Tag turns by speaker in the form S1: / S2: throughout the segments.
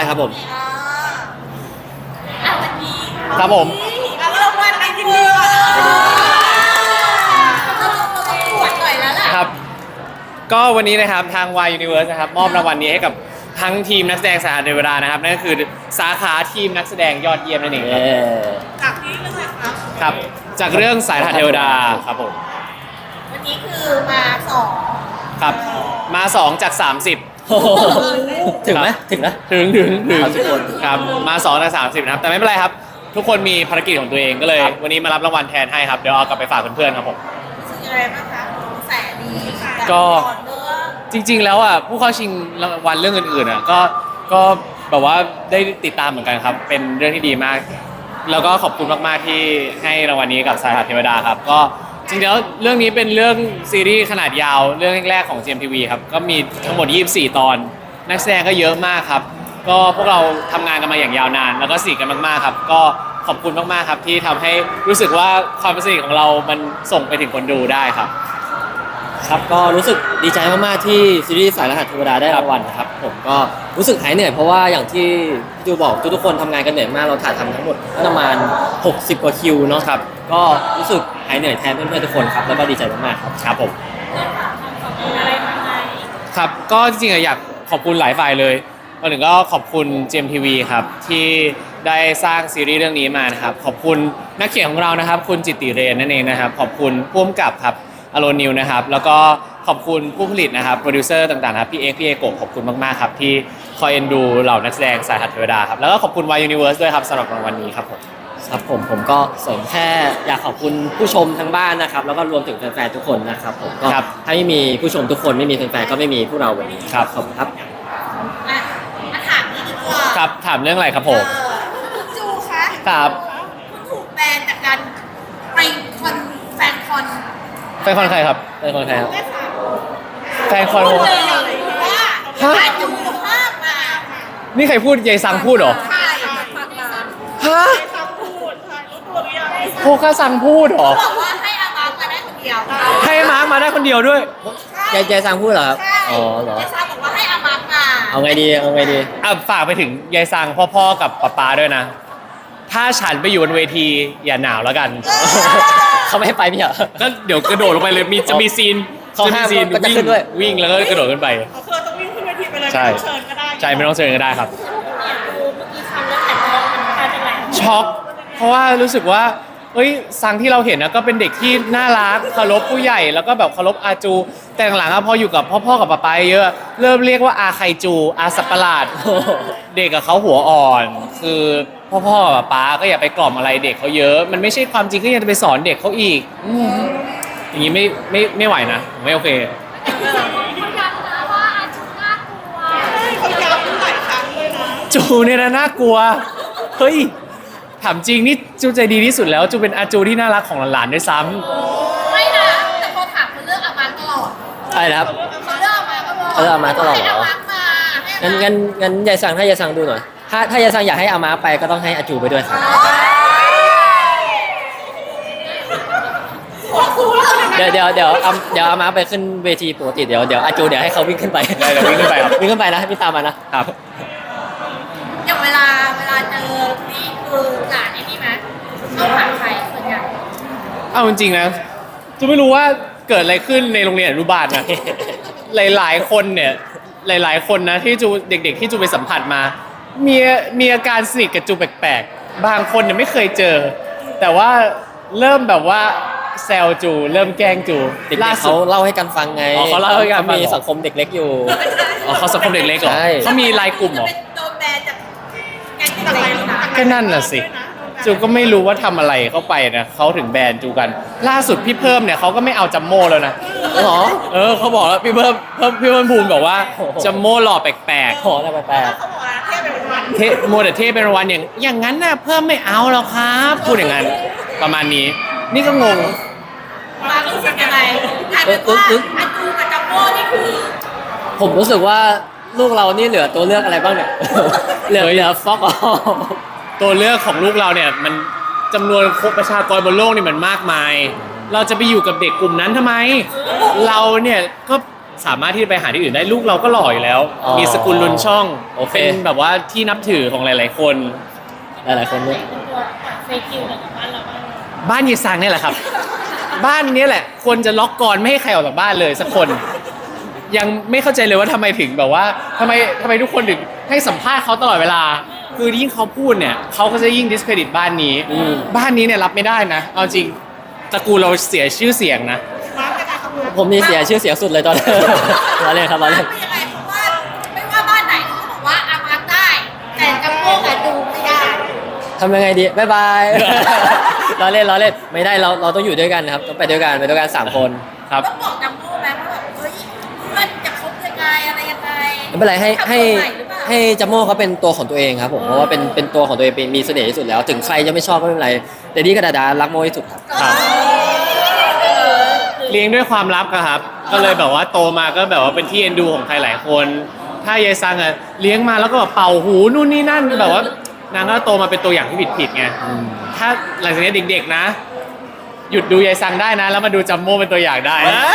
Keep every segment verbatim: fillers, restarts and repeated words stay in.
S1: ครับผม
S2: อ่าวันนี้
S3: ครับผม
S2: เราเริ่มวันในที่นี่ก่อนเราต้องปวดหน่อยแล้วล่ะ
S3: ครับก็วันนี้นะครับทาง Y Universe นะครับมอบรางวัลนี้ให้กับทั้งทีมนักแสดงสาขาเทวดานะครับนั่นก็คือสาขาทีมนักแสดงยอดเยี่ยมนั่นเองครับ
S2: จากที่เรื่องอะไรครับ
S3: ครับจากเรื่องสายทานเทวดาครับผม
S2: วันนี้คือมาสอง
S3: ครับมาสองจากสามสิบ
S1: ถึงไหมถึงนะ
S3: ถึงถึงถึง
S1: ครับทุกคน
S3: ครับมาสองจากสามสิบนะครับแต่ไม่เป็นไรครับทุกคนมีภารกิจของตัวเองก็เลย วันนี้มารับรางวัลแทนให้ครับเดี๋ยวเอากลับไปฝากเพื่อนๆครับผม
S2: รู้สึกยังไงบ้างคะแสนดีค่ะ
S3: ก็
S2: ต่อเนื่อง
S3: จริงๆแล้วอ่ะผู้เข้าชิงรางวัลเรื่องอื่นๆอ่ะก็ก็แบบว่าได้ติดตามเหมือนกันครับเป็นเรื่องที่ดีมาก แล้วก็ขอบคุณมากๆที่ให้รางวัลนี้กับสายทานเทวดาครับก็จริงๆแล้วเรื่องนี้เป็นเรื่องซีรีส์ขนาดยาวเรื่องแรกๆของ จี เอ็ม ที วี ครับก็มีทั้งหมดยี่สิบสี่ตอนนักแสดงก็เยอะมากครับก็พวกเราทำงานกันมาอย่างยาวนาน แล้วก็สนิทกันมากๆครับก็ขอบคุณมากๆครับที่ทำให้รู้สึกว่าความสนิทของเรามันส่งไปถึงคนดูได้ครับ
S1: ครับก็รู้สึกดีใจมากๆที่ซีรีส์สายรหัสเทวดาได้รางวัลนะครับผมก็รู้สึกหายเหนื่อยเพราะว่าอย่างที่พี่จูบอกทุกๆคนทำงานกันเหนื่อยมากเราถ่ายทำทั้งหมดประมาณหกสิบกว่าคิวเนาะครับก็รู้สึกหายเหนื่อยแทนเพื่อนๆทุกคนครับแล้วก็ดีใจมากๆครับครับผม
S2: อะไรมาไหม
S3: ครับก็จริงๆอะอยากขอบคุณหลายฝ่ายเลยวันหนึ่งก็ขอบคุณ จี เอ็ม ที วี ครับที่ได้สร้างซีรีส์เรื่องนี้มานะครับขอบคุณนักเขียนของเรานะครับคุณจิตติเรนนั่นเองนะครับขอบคุณผู้กำกับครับอโรนิวนะครับแล้วก็ขอบคุณผู้ผลิตนะครับโปรดิวเซอร์ต่างๆครับพี่เอ็กพี่เอโกะขอบคุณมากๆครับที่คอยเอ็นดูเหล่านักแสดงสายหัดเทวดาครับแล้วก็ขอบคุณ Y Universe ด้วยครับสำหรับรางวัลนี้ครับผม
S1: ครับผมผมก็เสริมแค่อยากขอบคุณผู้ชมทั้งบ้านนะครับแล้วก็รวมถึงแฟนๆทุกคนนะครับผมก็
S3: ครับ
S1: ถ้าไม่มีผู้ชมทุกคนไม่มีแฟนๆก็ไม่มีพวกเราวันนี้
S3: ครับ
S1: ขอบคุณครับ
S2: อ่ะมาถามนี่ดีกว่า
S3: ครับถามเรื่องอะไรครับผม
S2: เออคุณจูคะ
S3: ครับ
S2: คุณถูกแบนจากการไปคอนแฟนคอน
S3: แฟนคอนใครครับ
S1: เป็นคนไทยครับ
S2: แม่ค่ะ
S3: แฟนคอน
S2: พูด
S3: วง
S2: เลยว่า
S3: ฮะ
S2: อาจูภาพมา
S3: นี่ใครพูดยายซังพูดเหรอ
S2: ใช่
S3: ฮะโคคาซังพูดเหรอ
S2: บอกว่าให้อามาร์คมาได้คนเดียว
S3: ให้มาร์คมาได้คนเดียวด้วย
S1: ยายยายซังพูดเหรอครับ
S2: ใช่
S1: อ๋อเหรอ
S2: เจซ่าบอกว่าให้อามาร์คมา
S1: เอาไงดีเอาไงดี
S3: อ่ะฝากไปถึงยายซังพ่อๆกับป๊าป๊าด้วยนะ ถ้าฉันไปอยู่บนเวทีอย่าหนาวแล้วกัน
S1: เขาไม่ให้ไปพี่เหรอ
S3: ก็เดี๋ยวกระโดดลงไปเลยมีจะมีซีน
S1: เขา
S3: จะมี
S1: ห้าม
S3: ซีน
S1: ก็จะ
S3: วิ่ง
S1: ขึ้นด้วย
S3: วิ่งแล้วก็กระโดดขึ้นไป
S4: เขาคือต้องวิ่งขึ้นเวทีไปเลย
S3: ใช่
S4: ไม่ต้องเชิญก็ได้
S3: ใช่ไม่ต้องเชิญก็ได้ครับ
S2: เมื่อกี้คำแล้วแต่มองมันกลายเป็นอะไร
S3: ช็อกเพราะว่ารู้สึกว่าเอ้ยซังที่เราเห็นนะก็เป็นเด็กที่น่ารักเคารพผู้ใหญ่แล้วก็แบบเคารพอาจู แต่หลังๆอะพออยู่กับพ่อๆกับป๊าป๊าเยอะ เริ่มเรียกว่าอาไคจูอาสัตว์ประหลาด เด็กกับเขาหัวอ่อน คือพ่อๆกับป๊าก็อย่าไปกล่อมอะไรเด็กเขาเยอะ มันไม่ใช่ความจริงก็ยังจะไปสอนเด็กเขาอีกอืมอย่างนี้ไม่ไม่ไม่ไหวนะไม่โอเค
S4: เขาย้ำหลายครั้งเลยนะ
S3: จูเนี่ยนะน่ากลัวเฮ้ยถามจริงนี่จูใจดีที่สุดแล้วจูเป็นอาจูที่น่ารักของหลานๆด้วยซ้ำ
S2: ไม่นะ แต่พอถามคนเลือกอามาร์คตลอด
S1: อะไรนะครับ
S2: เขาเลือกอามาร์คตลอด
S1: เขาเลือกอามาร์คตลอดเหรอ
S2: ให้อามาร์คมาให้
S1: งั้น
S2: อามาร์ค
S1: งั้นงั้นยายซังถ้ายายซังดูหน่อยถ้าถ้ายายซังอยากให้อามาไปก็ต้องให้อาจูไปด้วยครับเดี๋ยวเดี๋ยวเดี๋ยวเอาเดี๋ยวอามาไปขึ้นเวทีปกติเดี๋ยวเดี๋ยวอาจูเดี๋ยวให้เขาวิ่งขึ้นไป
S3: ได้เดี๋ยววิ่งขึ้นไปครับ
S1: วิ่งขึ้นไปนะให้พี่ตามมานะครับ
S2: อย่างเวลาเวลาเจอนี่คือหลานไอ้นี่ไหมต้องถามใครส่วนใหญ่
S3: เอาจริงๆนะจูไม่รู้ว่าเกิดอะไรขึ้นในโรงเรียนอนุบาลนะ หลายๆคนเนี่ยหลายๆคนนะที่จูเด็กๆที่จูไปสัมผัสมา มีมีอาการสนิทกับจูแปลกๆ บางคนเนี่ยไม่เคยเจอ แต่ว่าเริ่มแบบว่าแซวจูเริ่มแกล้งจู
S1: เด็ก
S3: ล่า
S1: ๆ
S3: สุ
S1: เขา
S3: ด
S1: เล่าให้กันฟังไง
S3: อ๋อเขาเล่าให้กันฟัง
S1: มีสังคมเด็กเล็กอยู่
S3: อ๋อเขาสังคมเด็กเล็กเหรอ
S1: ใช่
S3: เขามีไลน์กลุ่มเหรอ
S2: เป็นโดนแบนจากแก๊งเด็กเล็กนะ
S3: ก็นั่นน่ะสิ จูก็ไม่รู้ว่าทำอะไรเข้าไปนะเขาถึงแบนจูกัน ล่าสุดพี่เพิ่มเนี่ยเขาก็ไม่เอาจัมโม่แล้วนะ
S1: เหรอ
S3: เออเขาบอกแล้วพี่เพิ่มเพิ่มพี่เพิ่มภูมิบอกว่า
S1: โอ้โห
S3: จัมโม่หล่อแปลก
S1: ขออะไรแปลก
S4: เขาบอกว่าเทียบเป็นวัน
S3: ๆเทโมเดลเทเป็นรางวัลอย่างอย่างนั้นน่ะเพิ่มไม่เอาหรอกครับพูดอย่างนั้นประมาณนี้ นี่ก็งง
S2: มารู้สึกยังไงกลายเป็นว่าอาจูกับจัมโบ้นี่คือ
S1: ๆผมรู้สึกว่าลูกเรานี่เหลือตัวเลือกอะไรบ้างเนี่ย เหลือเหลือฟอกอ๋อ
S3: ตัวเลือกของลูกเราเนี่ยมันจำนวนประชากรบนโลกนี่มันมากมาย เราจะไปอยู่กับเด็กกลุ่มนั้นทำไม เราเนี่ยก็สามารถที่จะไปหาที่อื่นได้ลูกเราก็หล่ออยู่แล้ว
S1: อ๋อ
S3: มีสกุลลุนช่อง
S1: โอเค
S3: เป็นแบบว่าที่นับถือของหลาย ๆ คน
S1: หลายๆคนเนี่ย
S2: เป็นตัวเฟซคิวกับบ้านเราบ้าง
S3: บ้านยีซังเนี่ยแหละครับ บ้านเนี้ยแหละควรจะล็อกกรไม่ให้ใครออกจากบ้านเลยสักคน ยังไม่เข้าใจเลยว่าทำไมถึงแบบว่าทำไมทำไมทุกคนถึงให้สัมภาษณ์เขาตลอดเวลา คือยิ่งเขาพูดเนี่ยเขาก็จะยิ่ง discredit บ้านนี้
S1: อืม
S3: บ้านนี้เนี่ยรับไม่ได้นะเอาจริงตระกูลเราเสียชื่อเสียงนะ
S4: มาร์คจะการทำงาน
S1: ผมนี่เสียชื่อเสียงสุดเลยตอนนี้ ล้อเล่นครับล้อเล่น
S2: ไม่ยังไงเพราะว่าไม่ว่าบ้านไหนเขาก็บอกว่าอามาร์คได้ แต่จำพวกอะดูไม่ได้
S1: ทำยังไงดีบ๊ายบาย ล้อเล่นล้อเล่นไม่ได้เราเราต้องอยู่ด้วยกันนะครับต้องไปด้วยกันไปด้วยกันสามคน
S3: ครับ
S2: ต้องบอกจำพวกไหมว่าแบบเฮ้ยเพื่อนจะคบยังไงอะไรยังไง
S1: ไม่เป็นไรให้ให้
S2: ทำตัวใม่หรือเปล่า
S1: ให้จัมโม่เขาเป็นตัวของตัวเองครับผมเพราะว่าเป็นเป็นตัวของตัวเองเป็นมีเสน่ห์ที่สุดแล้ว ถึงใครจะไม่ชอบก็ไม่เป็นไรแต่ดีกับดาดารักโมที่สุดครับ
S3: ครับ เลี้ยงด้วยความลับอะครับ ก็เลยแบบว่าโตมาก็แบบว่าเป็นที่เอ็นดูของใครหลายคน ถ้ายายซังอะเลี้ยงมาแล้วก็แบบเป่าหูนู่นนี่นั่นแบบว่านางก็โตมาเป็นตัวอย่างที่ผิดผิดๆไง ถ้าหลังจากนี้เด็กๆนะ หยุดดูยายซังได้นะ แล้วมาดูจัมโม่เป็นตัวอย่างได้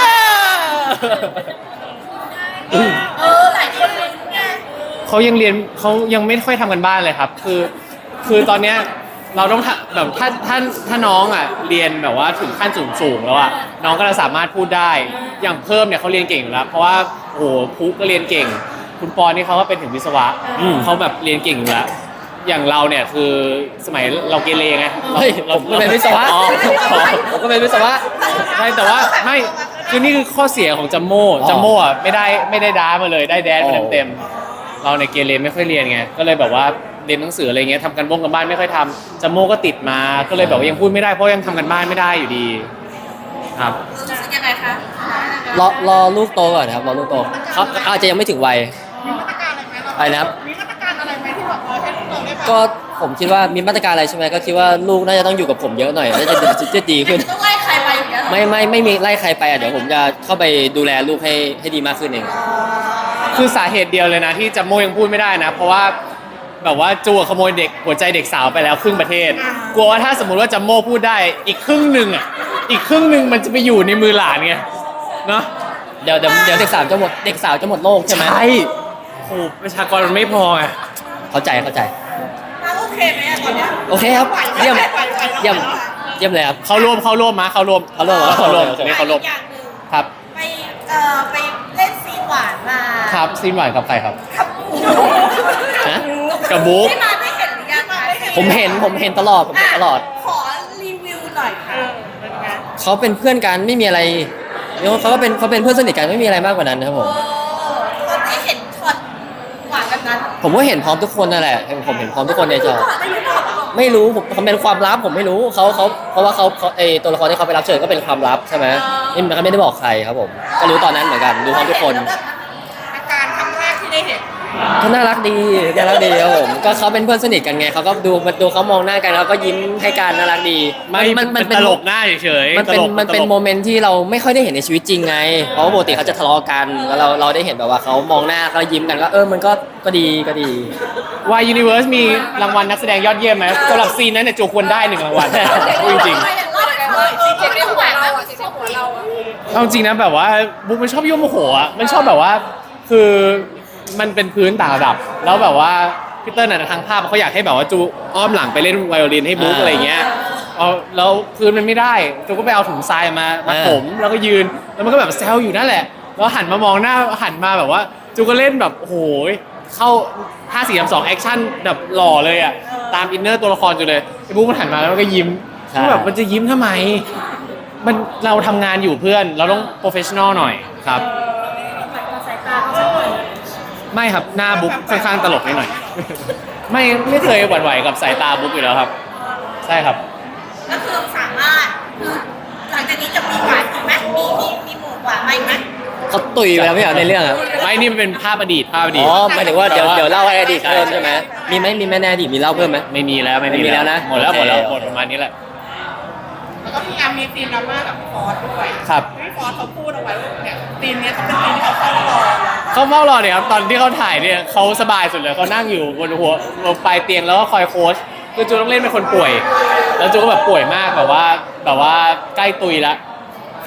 S2: เออหลายคนเลยไง
S3: เขายังเรียนเขายังไม่ค่อยทำกันบ้านเลยครับ คือคือตอนเนี้ยเราต้องทำแบบถ้าถ้าถ้าน้องอ่ะเรียนแบบว่าถึงขั้นสูงสูงๆแล้วอ่ะน้องก็จะสามารถพูดได้อย่างเพิ่มเนี่ยเขาเรียนเก่งอยู่แล้วเพราะว่าโอ้โหพุก็เรียนเก่ง คุณปอนนี่เขาก็เป็นถึงวิศวะ
S1: อืม
S3: เขาแบบเรียนเก่งอยู่แล้วอย่างเราเนี่ยคือสมัยเราเกเรไงเรา
S1: เฮ้ย
S3: เรา
S1: ผมก็เป็นวิศวะ
S3: อ๋ออ๋อ
S1: ผมก็เป็นวิศวะ
S3: ใช่แต่ว่าไม่คือนี่คือข้อเสียของจัมโม่
S1: อ๋อ
S3: จัมโม่อะไม่ได้ไม่ได้ด้ามาเลยได้แดนมาเต็มๆเราในยเกเรไม่ค่อยเรียนไงก็เลยแบบว่าเรียนหนังสืออะไรเงี้ยทำกันบ้งกันบ้านไม่ค่อยทำจัมโม่ก็ติดมาก็เลยแบบว่ายังพูดไม่ได้เพราะยังทำกันบ้านไม่ได้อยู่ดีครับ
S2: รู้สึกยังไงคะ
S1: รอรอลูกโตก่อนนะครับรอลูกโตเขาอาจจะยังไม่ถึงวัย
S4: มีมาตรการอะไรไหมเรา
S1: อะไรนะครับ
S4: มีมาตรการอะไรไหมที่แบบเออให้ลูกเราได้แบบ
S1: ก็ผมคิดว่ามีมาตรการอะไรใช่ไหมก็คิดว่าลูกน่าจะต้องอยู่กับผมเยอะหน่อยน่าจะจะดีขึ้น
S2: ต้องไล่ใครไปอย่างเงี้ยเหรอ
S1: ไม่ไม่ไม่มีไล่ใครไปอ่ะเดี๋ยวผมจะเข้าไปดูแลลูกให้ให้ดีมากขึ้นเอง
S3: คือสาเหตุเดียวเลยนะที่จัมโม่ยังพูดไม่ได้นะ เพราะว่าแบบว่าจูขโมยเด็กหัวใจเด็กสาวไปแล้วครึ่งประเทศ กลัวว่าถ้าสมมุติว่าจัมโม่พูดได้อีกครึ่งหนึ่งอ่ะอีกครึ่งหนึ่งมันจะไปอยู่ในมือหลานไงเนาะ
S1: เดี๋ยวเดี๋ยวเดี๋ยวเด็กสาวจะหมดเด็กสาวจะหมดโลกใช่ไหม
S3: โอ้โหประชากรมันไม่พอไง
S1: เข้าใจเข้าใจ
S2: มาโอเคไหมอะตอนเนี้ย
S1: โอเคครับเยี่ยมเยี่ยมเยี่ยมเลยครับ
S3: เข้าร่วมเข้าร่วมมาเข้าร่วม
S1: เข้าร่วมเหรอ
S3: เข้าร่วม
S1: โอเค
S3: นี่เข้าร่วม
S2: อย่างหนึ่ง
S3: ครับ
S2: ไปเอ่อไปเล่นซีนหวานมา
S3: ครับซีนหวานกับใครครับ
S2: กับ
S1: ฮะ
S3: กับบุ๊ก
S2: ที่มาได้เห็นหรือยังคะ
S1: ผมเห็นผมเห็นตลอดผมเห็นตลอด
S2: ขอรีวิวหน่อยค่ะ
S1: เขาเป็นเพื่อนกันไม่มีอะไรเดี๋ยวเขาก็เป็นเขาเป็นเพื่อนสนิทกันไม่มีอะไรมากกว่านั้นนะครับผ
S2: โอ้
S1: ม
S2: ตอนได้เห็นช็อตหวานแบบนั้น
S1: ผมก็เห็นพร้อมทุกคนนั่นแหละผมเห็นพร้อมทุกคนในจอ
S2: ก่อนไม่รู้หรอก
S1: ไม่รู้ผมเขาเป็นความลับผมไม่รู้เขาเขาเพราะว่าเขาเขาไอตัวละครที่เขาไปรับเชิญก็เป็นความลับใช่ไหมนี่มันเขาไม่ได้บอกใครครับผมก็รู้ตอนนั้นเหมือนกันรู้พร้อมทุกคน
S4: อาการครั้งแรกที่ได้เห็น
S1: เขาน่ารักดีน่ารักดีครับผมก็เขาเป็นเพื่อนสนิทกันไงเขาก็ดูดูเขามองหน้ากันแล้วก็ยิ้มให้กันน่ารักดี
S3: ไม่มันมันตลกหน้าเฉยๆ
S1: มันเป็น
S3: ตลก
S1: มันเป็น
S3: ตลก
S1: โมเมนต์ที่เราไม่ค่อยได้เห็นในชีวิตจริงไงเพราะว่าปกติเขาจะทะเลาะกันแล้วเราเราได้เห็นแบบว่าเขามองหน้าเขายิ้มกันก็เออมันก็ก็ดีก็ดี
S3: วายยูนิเวิร์สมีรางวัลนักแสดงยอดเยี่ยมไหมสำหรับซีนนั้นเนี่ยจูควรได้หนึ่งรางวัลพูดจริง
S2: จริงๆเรื่องหวานเราจริงๆหัวเราอะ
S3: ๆเอาจริงนะแบบว่าบุ๊กมันชอบยั่วโมโหอ่ะมันชอบแบบว่าคือมันเป็นพื้นต่างระดับ แล้วแบบว่าพีเตอร์น่ะทางภาพเขาอยากให้แบบว่าจูอ้อมหลังไปเล่นไวโอลินให้บุ๊ก
S1: อ่า
S3: อะไรเงี้ยเอาแล้วพื้นมันไม่ได้จูก็ไปเอาถุงทรายมามา
S1: อ่า
S3: ถมแล้วก็ยืนแล้วมันก็แบบแซวอยู่นั่นแหละแล้วหันมามองหน้าหันมาแบบว่าจูก็เล่นแบบโอ้โหเข้าห้าสี่สามสองแอคชั่นแบบหล่อเลยอ่ะตามอินเนอร์ตัวละครจูเลยไอ้บุ๊กมันหันมาแล้วมันก็ยิ้ม
S1: ใช่
S3: ก็แบบมันจะยิ้มทำไม มันเราทำงานอยู่เพื่อนเราต้องโปรเฟชชั่นอลหน่อยครับ
S2: สายตาเขาสักหน่อย
S3: ไม่ครับหน้าบุ๊กค่อนข้างตลกนิดหน่อย ไม่ไม่เคยหวั่นไหวกับสายตาบุ๊กอยู่แล้วครับ ใช่ครับ
S2: ก็คือสามารถคือหลังจากนี้จะมีหวานอีกไหมมีมีมีหมู่หวานมาอีกไหม
S1: เขาตุยไปแล้วไม่เหรอในเรื่องอะ
S3: ไม่นี่มันเป็นภาพอดีตภาพอดี
S1: อ๋
S3: ต
S1: อหมายถึงว่าเดี๋ยวเดี๋ยวเล่าให้อดีต
S3: ใช่
S1: เพิ่มใช่ไหมมีไหมมีไหมในอดีตมีเล่าเพิ่มไหม
S3: ไม่มีแล้วไม่มี
S1: ไม่มีแล้วนะ
S3: หมดแล้วหมดแล้ว
S1: โอเค
S3: หมดประมาณนี้แหละ
S4: แล้วก็พี่แอมมีซีนดราม่ากับฟอสด้วย
S3: ครับ
S4: พี่ฟอสเขาพูดเอาไว้ว่าเนี่ยซีนเนี้ยเขาเป็นซีนที่เขาเข้ารอ
S3: เขาเฝ้ารอเนี่ยครับตอนที่เขาถ่ายเนี่ยเขาสบายสุดเลยเขานั่งอยู่บนหัวบนปลายเตียงแล้วก็คอยโค้ชคือจูต้องเล่นเป็นคนป่วย แล้วจูก็แบบป่วยมากแบบว่าแบบว่าใกล้ตุยละฟ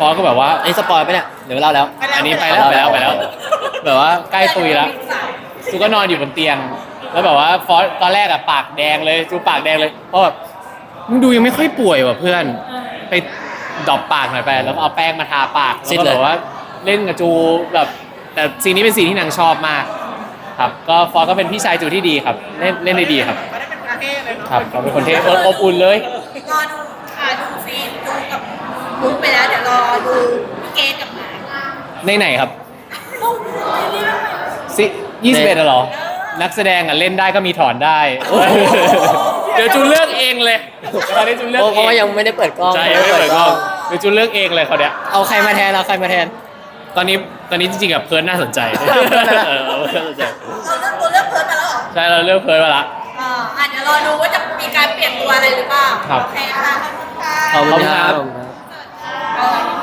S3: อสก็แบบว่า
S1: อันนี้สปอยล์ไปเนี่ยเดี๋ยวเล่าแล้ว
S3: อันนี้ไปแล้วไปแล้วไปแล้ว แบบว่าใกล้ตุยแล้วจูก็นอนอยู่บนเตียง แล้วแบบว่าฟอสตอนแรกอะปากแดงเลยจูปากแดงเลยเพราะแบบมึงดูยังไม่ค่อยป่วยว่ะเพื่อนไปดรอปปากหน่อยไปแล้วก็เอาแป้งมาทาปาก
S1: ซิ
S3: แล้ว
S1: ด
S3: ก็
S1: เลย
S3: แบบว่าเล่นกับจูแบบแต่ซีนนี้เป็นซีนที่นางชอบมาก ครับก็ฟอสก็เป็นพี่ชายจูที่ดีครับเล่นเล่นได้ดีครับ
S4: ไม่ได้เป็นประเทศเลยเนาะ
S3: ครับเขาเป็นคนเท่อบอุ่นเลย
S2: รอดูค่ะดูซีนดูกับมุกไปแล้วเดี๋ยวรอดูพี่เกดกับหมา
S3: ในไหนครับ
S2: มุกนี่เรื่องใหม่
S3: ซิยี่สิบเอ็ดเหรอ นักแสดงอ่ะเล่นได้ก็มีถอนได้ เดี๋ยวจูเลือกเองเลยตอนนี้จูเลือก
S1: เพ
S3: เอ
S1: ราะว่าง ยังไม่ได้เปิดกล้อง
S3: ใช่ไม่เปิดกล้องเดี๋ยวจูเลือกเองเลยเขาเนี้ย
S1: เอาใครมาแทนเอาใครมาแทน
S3: ตอนนี้ตอนนี้จริงๆกับเพิร์นน่าสนใจ
S1: เพิร์นน่ะ
S3: เออเพิร์นน่าสนใจ
S2: เราเลือกตัวเลือกเพิร์ดมาแล้วเหรอ
S3: ใช่เราเลือกเพิร์นมาละ
S2: อ่าอ่ะเดี๋ยวรอดูว่าจะมีการเปลี่ยนตัวอะไรหรือเปล่า
S3: ครับ
S2: โอเคค่ะขอบคุณค่ะ
S1: ขอบคุณครับ
S2: เออ